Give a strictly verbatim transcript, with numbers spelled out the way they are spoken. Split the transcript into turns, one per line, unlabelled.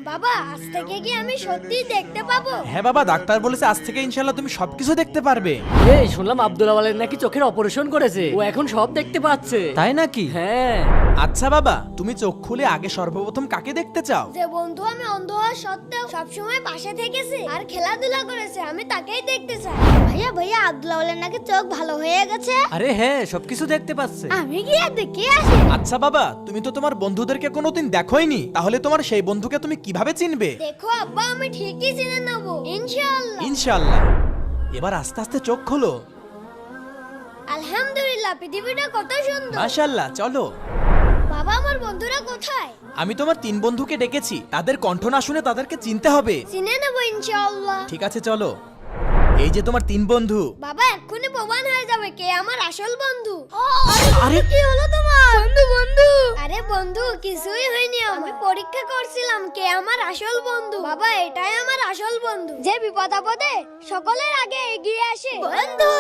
বাবা আজ থেকে কি আমি সত্যি দেখতে পাবো?
হ্যাঁ বাবা, ডাক্তার বলেছে আজ থেকে ইনশাআল্লাহ তুমি সবকিছু দেখতে পারবে।
এই শুনলাম আব্দুল আওয়ালের নাকি চোখের অপারেশন করেছে, ও এখন সব দেখতে পাচ্ছে।
তাই নাকি?
হ্যাঁ।
আচ্ছা বাবা, তুমি চোখ খুলে আগে সর্বপ্রথম কাকে দেখতে চাও?
যে বন্ধু আমি অন্ধ হওয়া সত্ত্বেও সবসময় পাশে থেকেছে আর খেলাধুলা করেছে, আমি তাকেই দেখতে চাই। ভাইয়া ভাইয়া আব্দুল আওয়ালের নাকি চোখ ভালো হয়ে গেছে।
আরে হ্যাঁ, সবকিছু দেখতে পাচ্ছে।
আমি গিয়ে দেখে আসি।
আচ্ছা বাবা, তুমি তো তোমার বন্ধুদেরকে কোনোদিন দেখোইনি, তাহলে তোমার সেই বন্ধুকে তুমি কিভাবে চিনবে?
দেখো আব্বা, আমি ঠিকই চিনে নেবো ইনশাআল্লাহ।
ইনশাআল্লাহ। এবার আস্তে আস্তে চোখ খোলো।
আলহামদুলিল্লাহ, পৃথিবীটা কত সুন্দর।
মাশাআল্লাহ, চলো।
বাবা আমার বন্ধুরা কোথায়?
আমি তোমার তিন বন্ধুকে ডেকেছি, তাদের কণ্ঠ না শুনে তাদেরকে চিনতে হবে।
চিনে নেবো ইনশাআল্লাহ।
ঠিক আছে চলো। এই যে তোমার তিন বন্ধু।
বাবা এক্ষুনি প্রমাণ হয়ে যাবে কে আমার আসল বন্ধু।
আরে
আরে কি হলো তোমার? বন্ধু বন্ধু আরে বন্ধু কিছুই হয়নি, আমি পরীক্ষা করছিলাম কে আমার আসল বন্ধু। বাবা এটাই আমার আসল বন্ধু, যে বিপদ আপদে সকলের আগে এগিয়ে আসে। বন্ধু